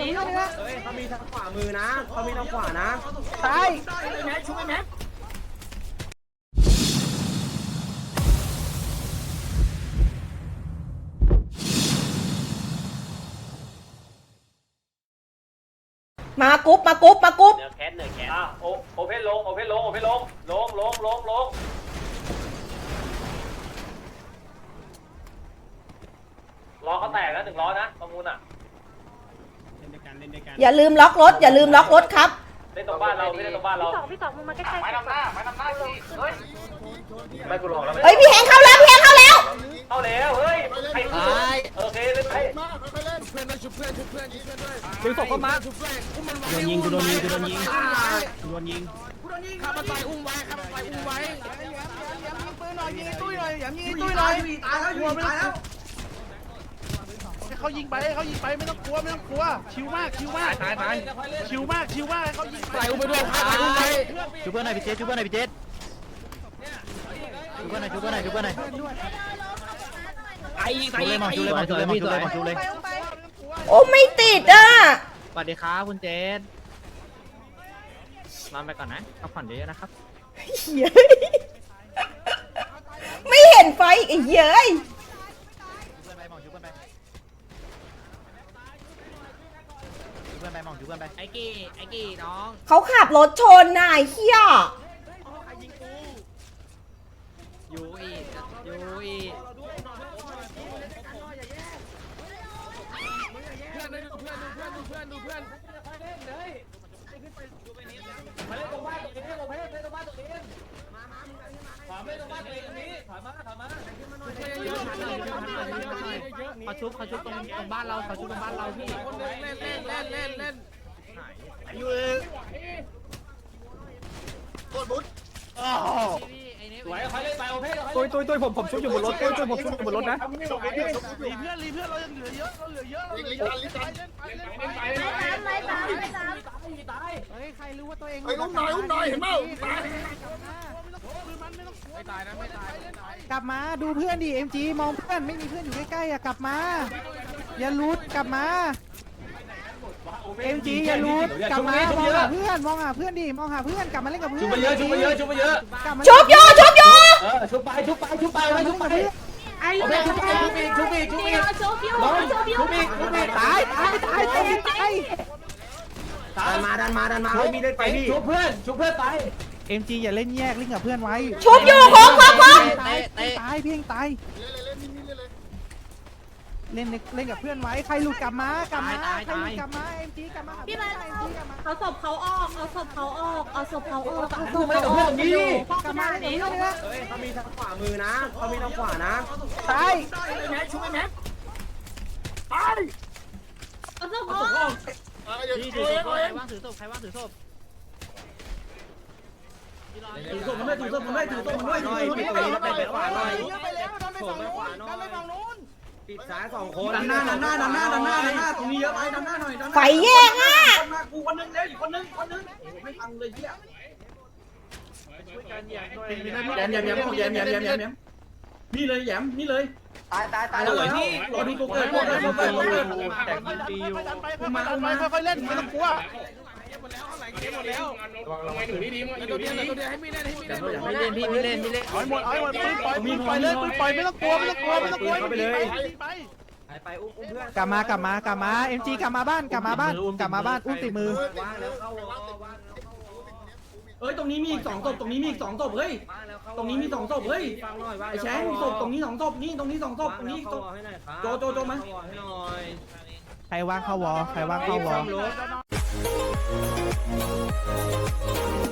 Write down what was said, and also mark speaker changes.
Speaker 1: เขามีทางขวามือนะเขามีทางขวานะ
Speaker 2: ตาย
Speaker 3: มากรุ๊ปมากรุ๊ปมากรุ๊ป
Speaker 1: เหนือแคสโอเพนลงล้อเขาแตกแล้ว100นะประมูลอ่ะ
Speaker 3: อย่าลืมล็อกรถอย่าลืมล็อกรถครับ
Speaker 1: เล่นตรงบ้านเราไม่เล่นตรงบ้านเรา
Speaker 4: พี่สองมึงมาใกล้ๆ
Speaker 1: ไม่ทำหน้าสิเฮ้ยไม่กูหลอกแล้ว
Speaker 3: เฮ้ยพี่แหงเข้าแล้วพี่แหงเข้าแล้ว
Speaker 1: เข้าแล้วเฮ้ยใครโอเคเล่นไป
Speaker 2: ดึงศพเข้ามาโดนยิงกูโดนยิงข้ามันไปอุ้มไว้ปืนหน่อยยิงไอ้ตุ้ยหน่อยยิงไอ้ตุ้ยหน่อยตายแล้วเขายิงไปไม่ต้องกลัวชิวมากชิวมากให้เขายิงไปอุ้มไปด้วยชูเพื่อนหน่อยพี่เจชูเพื่อนหน่อยไอ้เลยมองชูเลย
Speaker 3: โอ้ไม่ติดอ่ะ
Speaker 2: สวัสดีครับคุณเจนนอนไปก่อนนะพักผ่อนเยอะๆนะครับ
Speaker 3: เย้ยไม่เห็นไฟอีกเย้ย
Speaker 2: ไอ้กี่น้อง
Speaker 3: เขาขับรถชนน่ะไอ้เหี้ย
Speaker 2: ยูอี เขาชุบตรงบ้านเราพี่อยู่
Speaker 1: สวยใครเล่นไปโอเพน
Speaker 2: ตุ้ยผมชุบอยู่บนรถผมชุบอยู่บนรถนะรีเพื่อนเรายังเหลือเยอะใครรู้ว่าตัวเอง
Speaker 5: อุ้มหน่อยเห็นเปล่า
Speaker 2: ไม่ตาย
Speaker 6: กลับมาดูเพื่อนดิ MG มองเพื่อนไม่มีเพื่อนอยู่ใกล้ๆอ่ะกลับมาอย่าลุดกลับมา MG อย่าลุดกลับมามองหาเพื่อนดิมองหาเพื่อนกลับมาเล่นกับเพื่อน
Speaker 1: ชุบไปเยอะ
Speaker 3: ชุบโยชุบโย
Speaker 1: ชุบไปไอ้ชุบอีก
Speaker 6: ตาย
Speaker 1: ดันมาไม่มีเล่นไปพี่ชุบเพื่อนไป
Speaker 6: MG อย่าเล่นแยกเล่นกับเพื่อนไว้
Speaker 3: ชุบอยู่โค้ง
Speaker 6: ตายเพียงตายเล่นกับเพื่อนไว้ใครหลุดกลับมาMG กลับมา
Speaker 4: พี่มาเอาศพเขาออกเอาศพเขาออก
Speaker 1: กลับมา
Speaker 4: หนี
Speaker 1: เขามีทางขวามือนะเขามีทางขวานะ
Speaker 6: ตาย
Speaker 4: เอาศพเขาออก
Speaker 2: ใครว่างถือศพ
Speaker 1: ถือศพมันด้วยปิดไปขวาหน่อยปิดซ้าย2คนดันหน้าตรงนี้เยอะไปดันหน้าหน่อย
Speaker 3: ไฟแยกอ่ะ
Speaker 1: กูคนนึงแล้วอีกคนนึงไม่ฟังเลยเหี้ยแยมนี่เลยแยมนี่เลยตายแล้วที่รอดูตัวเกิดแต่ดีอยู่
Speaker 6: มาค่อยๆเล่นไม่ต้องกลัว
Speaker 2: ไม่เล่นพี่เล่น
Speaker 6: ปล่อยเล่นปล่อยไม่ต้องกลัว
Speaker 1: ไปเลย
Speaker 6: ไปอุ้มเพื่อนกลับมา MG กลับมาบ้านอุ้มติดมือ
Speaker 1: เฮ้ยตรงนี้มีอีก2ศพเฮ้ยตรงนี้มี2ศพเฮ้ยไอ้แชงศพตรงนี้2ศพนี่ตรงนี้2ศพตรงนี้ศพโจมา
Speaker 6: ใครว่างเข้าวอ